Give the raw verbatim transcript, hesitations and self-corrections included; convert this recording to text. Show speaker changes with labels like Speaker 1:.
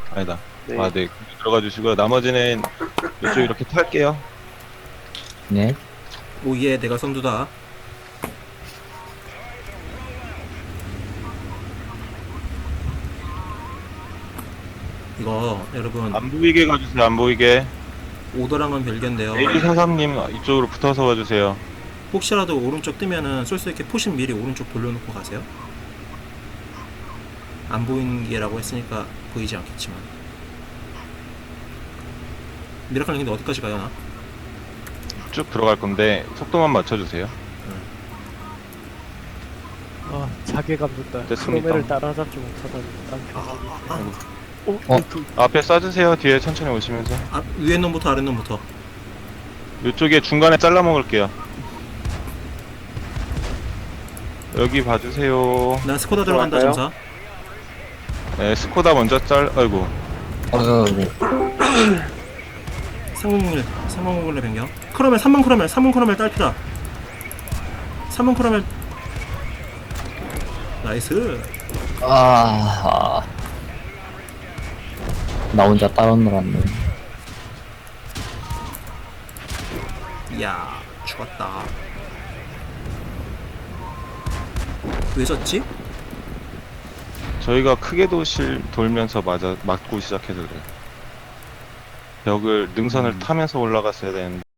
Speaker 1: 아니다.
Speaker 2: 네.
Speaker 1: 아, 네. 들어가 주시고요. 나머지는 이쪽 이렇게 탈게요.
Speaker 3: 네.
Speaker 4: 오예, 내가 선두다. 이거 여러분
Speaker 1: 안 보이게 가주세요. 안 보이게.
Speaker 4: 오더랑은 별개인데요.
Speaker 1: 에이사삼님 이쪽으로 붙어서 와주세요.
Speaker 4: 혹시라도 오른쪽 뜨면은 쏠 수 있게 포신 미리 오른쪽 돌려놓고 가세요. 안 보이는 게라고 했으니까 보이지 않겠지만. 미라클 근데 어디까지 가요, 나?
Speaker 1: 쭉 들어갈 건데 속도만 맞춰주세요.
Speaker 2: 아, 자괴감 돋다.
Speaker 1: 됐습니다.
Speaker 2: 크로메를 따라잡지 못하다니. 난 어?
Speaker 3: 어?
Speaker 2: 어?
Speaker 1: 앞에 쏴주세요. 뒤에 천천히 오시면서.
Speaker 4: 아, 위에 놈부터 아래 놈부터.
Speaker 1: 이쪽에 중간에 잘라 먹을게요. 여기 봐주세요.
Speaker 4: 난 스코다 들어간다,
Speaker 2: 들어갈까요?
Speaker 4: 점사.
Speaker 1: 네, 스코다 먼저 짤. 아이고.
Speaker 3: 아이고.
Speaker 4: 삼공공일, 삼공공일로 변경. 크로멜, 삼 번 크로멜, 삼 번 크로멜 딸피다. 삼 번 크로멜. 나이스.
Speaker 3: 아. 나 혼자 따로 놀았네.
Speaker 4: 이야, 죽었다. 왜 졌지?
Speaker 1: 저희가 크게 도실 돌면서 맞아 맞고 시작해서 그래요. 벽을 능선을 타면서 올라갔어야 되는데.